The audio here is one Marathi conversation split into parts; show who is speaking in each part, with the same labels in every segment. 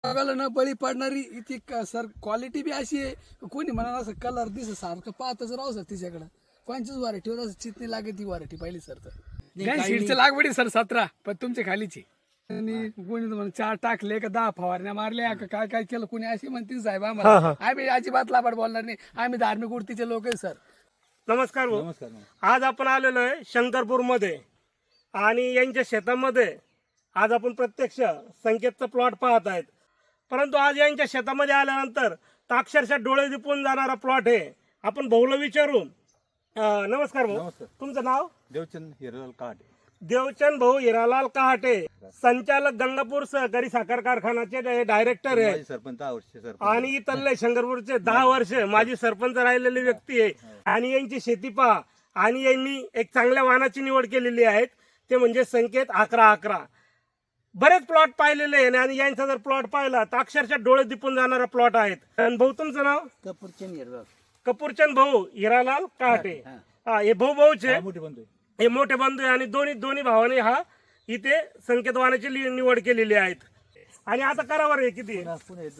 Speaker 1: बघायला न बळी पडणारी इथे सर क्वालिटी बी अशी आहे. कोणी म्हणा असं कलर दिस सारखं पाहतच राहू सर तिच्याकडं. कोणचीच व्हरायटीवर असं चितणी लागेल ती व्हरायटी पाहिली सर. तर सीडचं लागवडी सर 17 पण तुमच्या खालीची. आणि कोणी म्हणून 4 टाकले का 10 फवारण्या मारल्या का काय काय केलं कोणी अशी म्हणतील साहेब आम्हाला. आम्ही अजिबात लाभाड बोलणार नाही. आम्ही धार्मिक वृत्तीचे लोक आहे सर.
Speaker 2: नमस्कार भाऊ.
Speaker 3: नमस्कार.
Speaker 2: आज आपण आलेलो आहे शंकरपूर मध्ये आणि यांच्या शेतामध्ये आज आपण प्रत्यक्ष संकेतचा प्लॉट पाहत आहेत. परंतु आज यांच्या शेतामध्ये आल्यानंतर तर अक्षरशः डोळे दिपून जाणारा प्लॉट आहे. आपण भाऊला विचारू. नमस्कार भाऊ.
Speaker 3: नमस्कार.
Speaker 2: तुमचं नाव?
Speaker 3: देवचंद हिरालाल कहाटे.
Speaker 2: देवचंद भाऊ हिरालाल कहाटे, संचालक गंगापूर सहकारी साखर कारखान्याचे डायरेक्टर आहे.
Speaker 3: माझे सरपंच 10 वर्ष सरपंच.
Speaker 2: आणि इथले शंकरपूरचे 10 वर्ष माझी सरपंच राहिलेली व्यक्ती आहे. आणि यांची शेती पहा. आणि यांनी एक चांगल्या वाहनाची निवड केलेली आहे, ते म्हणजे संकेत 1111. बरेच प्लॉट पाहिलेले आहे आणि यांचा जर प्लॉट पाहिला तर अक्षरशः डोळे दिपून जाणारा प्लॉट आहेत. आणि भाऊ तुमचं नाव? कपूरचंद भाऊ हिरालाल कहाटे. हे भाऊ भाऊचे
Speaker 3: मोठे बंधू.
Speaker 2: हे मोठे बंधू आहे आणि दोन्ही भावाने हा इथे संकेत वाहनाची निवड केलेली आहेत. आणि आता करावर आहे किती आहे?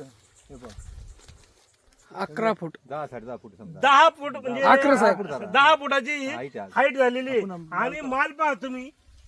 Speaker 1: 11 फूट
Speaker 3: 10 10.5 फूट समजा.
Speaker 2: 10 फूट म्हणजे 10 फुटाची
Speaker 3: Height आहे.
Speaker 2: हाईट झालेली आहे. आणि माल पहा तुम्ही.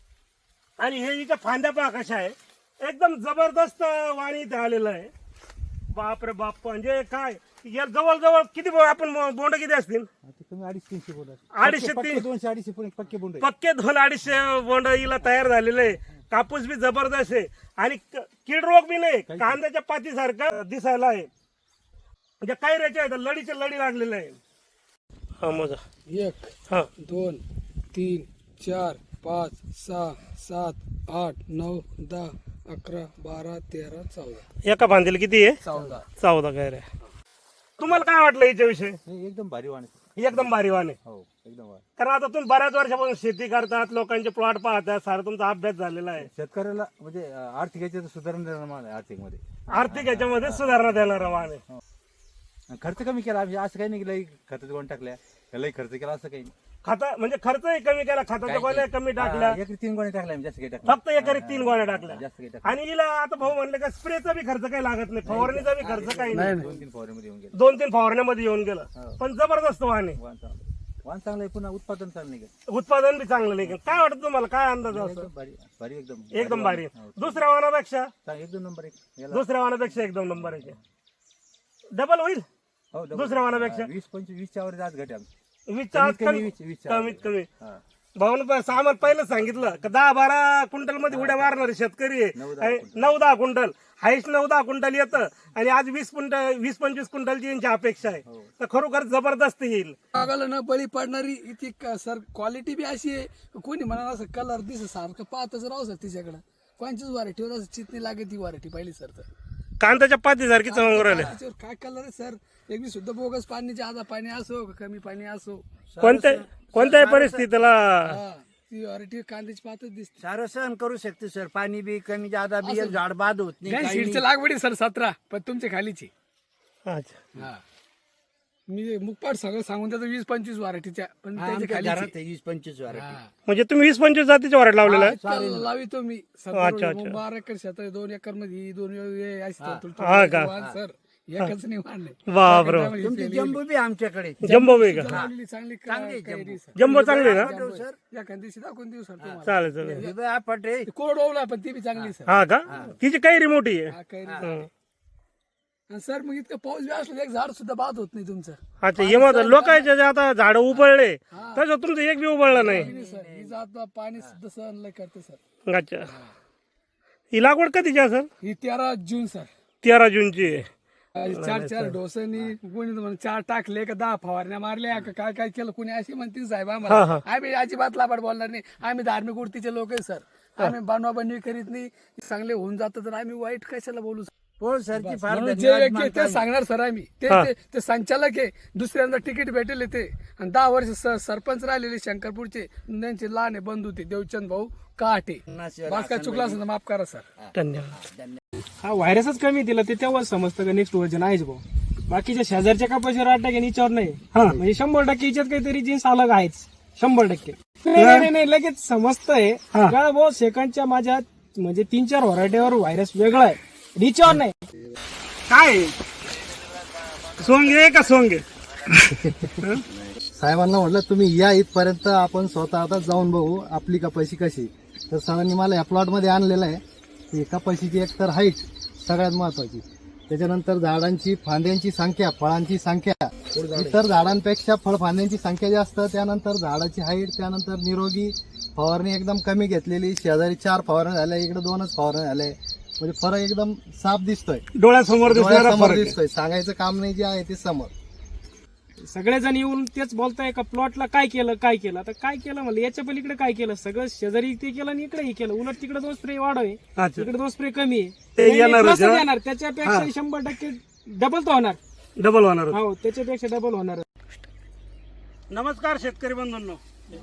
Speaker 2: आणि हे इथं फांद्या पहा कशा आहे. एकदम जबरदस्त वाणी इथे आलेलं आहे. बाप रे बाप. म्हणजे काय या जवळ किती आपण बोंड किती असतील?
Speaker 3: तुम्ही 250-300 बोला.
Speaker 2: 250
Speaker 3: 200-250 पण पक्के बोंड आहे.
Speaker 2: पक्के 200-250 बोंड हिला तयार झालेले आहे. कापूस बी जबरदस्त आहे आणि कीड रोग बी नाही. कांद्याच्या पातीसारखं दिसायला आहे. म्हणजे काही रेचे आहे लढीचे लढी लागलेले आहे. हा मोजा.
Speaker 1: 1
Speaker 2: हा
Speaker 1: 2 3 4 5 6 7 8 9 10 11 12 13 14
Speaker 2: एका फांदीला किती आहे?
Speaker 1: 14
Speaker 2: काय रे. तुम्हाला काय वाटलं याच्याविषयी?
Speaker 3: नाही, एकदम भारी वाण आहे.
Speaker 2: एकदम भारी वाण आहे.
Speaker 3: हो एकदम भारी.
Speaker 2: कारण आता तुम्ही बऱ्याच वर्षापासून शेती करतात, लोकांचे प्लॉट पाहतात, सारा तुमचा अभ्यास झालेला आहे.
Speaker 3: शेतकऱ्याला म्हणजे आर्थिक याच्यात सुधारणा देणार माल आहे. आर्थिक मध्ये
Speaker 2: आर्थिक याच्यामध्ये सुधारणा देणारा वाण आहे.
Speaker 3: आणि खर्च कमी केला. आम्ही असं काही नाही केलं खताचं गोण टाकल्या त्यालाही खर्च केला असं काही नाही.
Speaker 2: खाता म्हणजे खर्चही कमी केला, खताच्या गोण्या कमी टाकल्या,
Speaker 3: एकरी 3 गोणे टाकल्या आम्ही, जास्त काही टाकलं
Speaker 2: फक्त एकरी 3 गोण्या टाकल्या.
Speaker 3: जास्त काही टाकलं.
Speaker 2: आणि हिला आता भाऊ म्हणले का स्प्रेचा बी खर्च काही लागत नाही, फवारणीचा बी खर्च काही नाही.
Speaker 3: 2-3 फवाऱ्यामध्ये येऊन गेलं.
Speaker 2: 2-3 फवारण्यामध्ये येऊन गेलं. पण जबरदस्त वाण आहे.
Speaker 3: वाण चांगलं आहे. पुन्हा उत्पादन चांगलं नाही का.
Speaker 2: उत्पादन बी चांगलं नाही. काय वाटतं तुम्हाला? काय अंदाज असतो?
Speaker 3: एकदम भारी भारी
Speaker 2: एकदम भारी. दुसऱ्या वाहनापेक्षा
Speaker 3: एकदम नंबर 1. याला
Speaker 2: दुसऱ्या वाहनापेक्षा एकदम नंबर 1. डबल होईल
Speaker 3: हो
Speaker 2: दुसऱ्या वाहनापेक्षा.
Speaker 3: 20-25 वर आज घटे आमची.
Speaker 2: 20
Speaker 3: कमी
Speaker 2: कमीत कमी.
Speaker 3: हा.
Speaker 2: भाऊन सामान पहिलं सांगितलं का 10-12 क्विंटल मध्ये उड्या मारणारे शेतकरी आहे. 9-10 क्विंटल हाईस्ट 9-10 क्विंटल येतं आणि आज 20-25 क्विंटलची यांची अपेक्षा आहे. तर खरोखर जबरदस्त येईल.
Speaker 1: बघायला न बळी पडणारी इथे सर क्वालिटी बी अशी आहे. कोणी म्हणा असं कलर दिस सारखं पाहतच राहू सर तिच्याकडं. कोणचीच व्हरायटीवर असं चितणी लागेल ती व्हरायटी पाहिली सर. तर
Speaker 2: कांद्याच्या पातीसारखी चमक राहिले.
Speaker 1: त्याच्यावर काय कलर आहे सर. एक बी सुद्धा बोगस पाणी जादा पाणी असो का कमी पाणी असो
Speaker 2: कोणत्याही परिस्थितीला
Speaker 1: ती व्हरायटी कांद्याची पातच दिसते.
Speaker 4: सारं सहन करू शकते सर. पाणी बी कमी जादा बी एक झाड बाद होत नाही.
Speaker 1: सीडचं लागवडी सर 17 पण तुमच्या खालीची.
Speaker 2: अच्छा.
Speaker 1: हा मी मुखपाट सगळं सांगून त्याचं 20-25 व्हरायटीच्या पण त्याच्या
Speaker 4: आमच्या
Speaker 1: खालीची.
Speaker 4: घरात 20-25
Speaker 1: हा.
Speaker 2: म्हणजे तुम्ही 20-25 जातीच्या वराड लावलेला आहे.
Speaker 1: इतकं लावितो मी.
Speaker 2: अच्छा.
Speaker 1: 12 एकर शेत आहे. 2 एकर मध्ये 2
Speaker 2: हा का?
Speaker 1: सर एकच नाही वाढले.
Speaker 2: बापरे.
Speaker 4: तुमची जम्बो बी आमच्याकडे.
Speaker 2: जम्बो बे का?
Speaker 1: चांगली चांगली कैरी सर.
Speaker 2: जम्बो चांगली ना?
Speaker 1: एखाद दिवशी दाखवून देऊ सर तुम्हाला.
Speaker 2: चालेल.
Speaker 4: पटे
Speaker 1: कोरड ओवला पण ती बी चांगली सर.
Speaker 2: हा का? तिची काही रिमोटी आहे.
Speaker 1: हा कैरी. आणि सर मग इतकं पाऊस बी असलं एक झाड सुद्धा बाद होत नाही तुमचं.
Speaker 2: अच्छा. हे मग लोकांचे जे आता झाड उबळले तसं तुमचं एक बी उबळलं नाही.
Speaker 1: नाही सर ही जात पाणी सुद्धा सहन लय करते सर.
Speaker 2: अच्छा. ही लागवड कधीची आहे सर?
Speaker 1: ही 13 जून सर.
Speaker 2: 13 जूनची आहे.
Speaker 1: 4 डोसांनी कोणी म्हणून 4 टाकले का 10 फवारण्या मारल्या का काय काय केलं कोणी अशी म्हणतील साहेब आम्हाला. आम्ही अजिबात लाभाड बोलणार नाही. आम्ही धार्मिक वृत्तीचे लोक आहे सर. आम्ही बनवाबनवी करीत नाही. चांगले होऊन जातं तर आम्ही वाईट कशाला बोलू.
Speaker 4: हो सरची फार
Speaker 1: म्हणून जे व्यक्ती आहे ते सांगणार सर. आम्ही ते संचालक आहे. दुसऱ्यांदा तिकीट भेटेल ते. आणि 10 वर्ष सरपंच राहिलेले शंकरपूरचे. त्यांचे लहान बंधू ते देवचंद भाऊ कहाटे. बास काय चुकला असेल तर माफ करा सर.
Speaker 2: धन्यवाद.
Speaker 5: हा व्हायरसच कमी दिला ते तेव्हाच समजतं का नेक्स्ट वर्जन आहेच भाऊ. बाकीच्या शेजारच्या कपाशीवर 8% आणि याच्यावर नाही. म्हणजे 100% याच्यात काहीतरी जीन्स अलग आहेच. 100%. नाही लगेच समजतंय का भाऊ. सेकंडच्या माझ्या म्हणजे 3-4 व्हरायटीवर व्हायरस वेगळा आहे. रिचॉर नाही.
Speaker 2: काय आहे? सोंगे का सोंगे?
Speaker 6: साहेबांना म्हटलं तुम्ही या इथपर्यंत, आपण स्वतः आता जाऊन बघू आपली कपाशी कशी. तर सरांनी मला या प्लॉटमध्ये आणलेलं आहे. ही कपाशीची एक तर हाईट सगळ्यात महत्वाची, त्याच्यानंतर झाडांची फांद्यांची संख्या, फळांची संख्या, इतर झाडांपेक्षा फळफांद्यांची संख्या जास्त, त्यानंतर झाडाची हाईट, त्यानंतर निरोगी, फवारणी एकदम कमी घेतलेली, शेजारी 4 फवारण्या झाल्या, इकडे 2च फवारण्या झाल्या, म्हणजे फरक एकदम साफ दिसतोय,
Speaker 2: डोळ्यासमोर दिसणारा
Speaker 6: डोळ्यासमोर
Speaker 2: फरक आहे.
Speaker 6: दिसतोय. सांगायचं काम नाही, जे आहे ते समोर.
Speaker 5: सगळेजण येऊन तेच बोलताय का प्लॉटला काय केलं काय केलं. आता काय केलं म्हणलं, याच्या पलीकडे काय केलं, सगळं शेजारी ते केलं आणि इकडे हे केलं. उलट तिकडे 2 स्प्रे वाढवे,
Speaker 2: अच्छा.
Speaker 5: इकडे 2 स्प्रे कमी आहे.
Speaker 2: ते
Speaker 5: नाही,
Speaker 2: येणारच,
Speaker 5: plus च
Speaker 2: हा?
Speaker 5: येणार, त्याच्यापेक्षा 100% डबल तो होणार.
Speaker 2: डबल होणार होतं.
Speaker 5: हो, त्याच्यापेक्षा डबल होणार.
Speaker 2: नमस्कार शेतकरी बंधूंनो,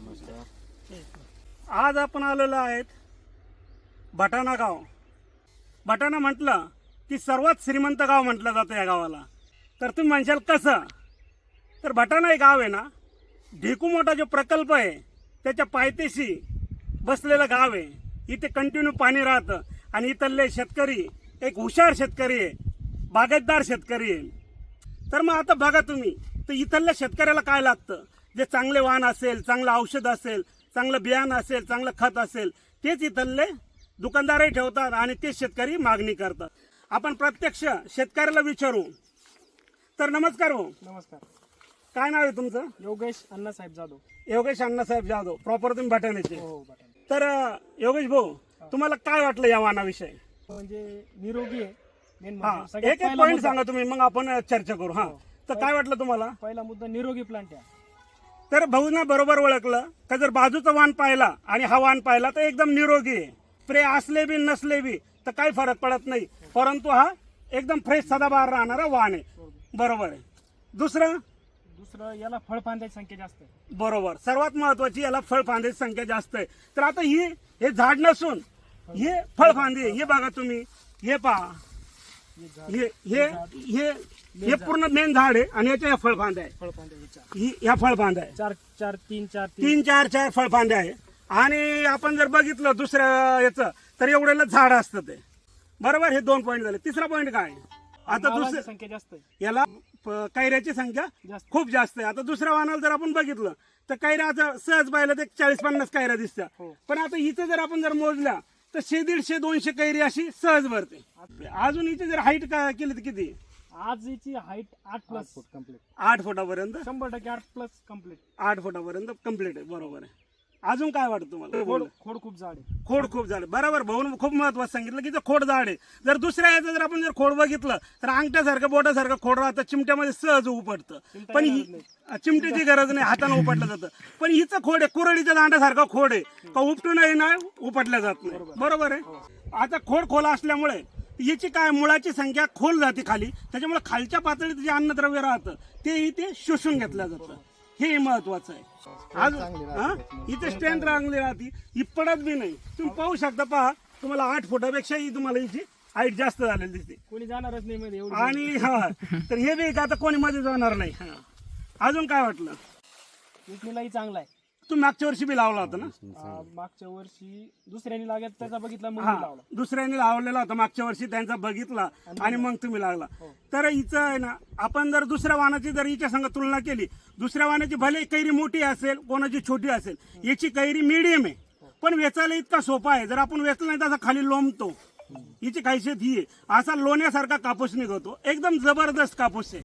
Speaker 2: आज आपण आलेलो आहेत भटाणा गाव. भटाणा म्हटलं की सर्वात श्रीमंत गाव म्हटलं जातं या गावाला. तर तुम्ही म्हणशाल कसं, तर भटाणा हे गाव आहे ना, ढेकू मोठा जो प्रकल्प आहे त्याच्या पायथ्याशी बसलेलं गाव आहे. इथे कंटिन्यू पाणी राहतं आणि इथले शेतकरी एक हुशार शेतकरी आहे, बागायतदार शेतकरी आहे. तर मग आता बघा तुम्ही, तर इथल्या शेतकऱ्याला काय लागतं, जे चांगले वाण असेल, चांगलं औषध असेल, चांगलं बियाणं असेल, चांगलं खत असेल, तेच इथले दुकानदारही ठेवतात आणि तेच शेतकरी मागणी करतात. आपण प्रत्यक्ष शेतकऱ्याला विचारू. तर नमस्कार भाऊ,
Speaker 5: नमस्कार.
Speaker 2: काय नाव आहे तुमचं?
Speaker 5: योगेश अण्णासाहेब जाधव.
Speaker 2: योगेश अण्णासाहेब जाधव, प्रॉपर तुम्ही भटाण्याचे.
Speaker 5: हो, बटाटा.
Speaker 2: तर योगेश भाऊ, तुम्हाला काय वाटलं या वाणाविषयी?
Speaker 5: म्हणजे निरोगी आहे मेन.
Speaker 2: हा, एक एक पॉईंट सांगा तुम्ही, मग आपण चर्चा करू. हा, तर काय वाटलं तुम्हाला?
Speaker 5: पहिला मुद्दा निरोगी प्लांट आहे.
Speaker 2: तर भाऊना बरोबर ओळखलं का, जर बाजूचा वाण पाहिला आणि हा वाण पाहिला तर एकदम निरोगी आहे. स्प्रे असले बी नसले बी तर काही फरक पडत नाही, परंतु हा एकदम फ्रेश सदाबहार राहणारा वाण आहे. बरोबर आहे. दुसरं
Speaker 5: याला फळफांद्याची संख्या जास्त आहे.
Speaker 2: बरोबर, सर्वात महत्वाची याला फळफांद्याची संख्या जास्त आहे. तर आता हे झाड नसून हे फळफांदे, हे बघा तुम्ही, हे पहा, हे पूर्ण मेन झाड आहे आणि याच्या फळफांद्या आहे.
Speaker 5: फळफांद्या
Speaker 2: ह्या फळफांद्या आहे,
Speaker 5: 3
Speaker 2: 4 फळफांद्या आहे. आणि आपण जर बघितलं दुसऱ्या याचं, तर एवढ्याला झाड असतं ते. बरोबर, हे 2 पॉईंट झाले. तिसरा पॉईंट काय, आता दुसऱ्या
Speaker 5: संख्या जास्त आहे.
Speaker 2: याला कैऱ्याची संख्या खूप जास्त आहे. आता दुसऱ्या वाहनाला जर आपण बघितलं तर कैऱ्याचं सहज पाहिलं तर 40-50 कैऱ्या दिसत्या. पण आता इथं जर आपण जर मोजल्या तर 100-150-200 कैरी अशी सहज भरते. अजून इथे जर हाईट केली तर किती?
Speaker 5: आज याची हाईट 8+ फूट कम्प्लीट.
Speaker 2: 8 फुटापर्यंत
Speaker 5: 100% 8+ कम्प्लीट.
Speaker 2: 8 फुटापर्यंत कम्प्लीट आहे. बरोबर आहे. अजून काय वाटतं तुम्हाला?
Speaker 5: खोड खूप जाड आहे.
Speaker 2: खोड खूप झाड. बरोबर, भाऊन खूप महत्वाचं सांगितलं की खोड झाड आहे. जर दुसऱ्या याचं जर आपण जर खोड बघितलं तर अंगठ्यासारखं बोटासारखं खोड राहतं, चिमट्यामध्ये सहज उपटतं. पण चिमट्याची गरज नाही, हाताने उपटलं जातं. पण हिचं खोड आहे, कुरडीच्या दांड्यासारखं खोड आहे, का उपटूनही नाही उपटल्या जात नाही. बरोबर आहे. आता खोड खोला असल्यामुळे याची काय मुळाची संख्या खोल जाते खाली, त्याच्यामुळे खालच्या पातळीत जे अन्नद्रव्य राहतं ते इथे शोषून घेतलं जातं. हे महत्वाचं आहे. इथे स्ट्रेंथ चांगली राहते, ही पडत बी नाही. तुम्ही पाहू शकता, पहा, तुम्हाला 8 फुटापेक्षाही तुम्हाला हिची हाईट जास्त झालेली दिसते.
Speaker 5: कोणी जाणारच नाही मध्ये एवढी.
Speaker 2: आणि हा, तर हे बी आता कोणी मध्ये जाणार नाही. हा, अजून काय वाटलं?
Speaker 5: विकणीलाही चांगला आहे.
Speaker 2: तुम्ही मागच्या वर्षी बी लावला होता ना?
Speaker 5: मागच्या वर्षी दुसऱ्याने लागत त्याचा बघितला मग
Speaker 2: हा,
Speaker 5: लावला.
Speaker 2: दुसऱ्याने लावलेला होता मागच्या वर्षी, त्यांचा बघितला आणि मग तुम्ही लागला. तर हिचं आहे ना, आपण जर दुसऱ्या वाहनाची जर हिच्या संग तुलना केली, दुसऱ्या वाहनाची भले कैरी मोठी असेल, कोणाची छोटी असेल, याची कैरी मीडियम आहे, पण वेचायला इतका सोपा आहे. जर आपण वेचला नाही तर असा खाली लोंबतो. हिची खासियत ही आहे, असा लोण्यासारखा कापूस निघतो, एकदम जबरदस्त कापूस आहे.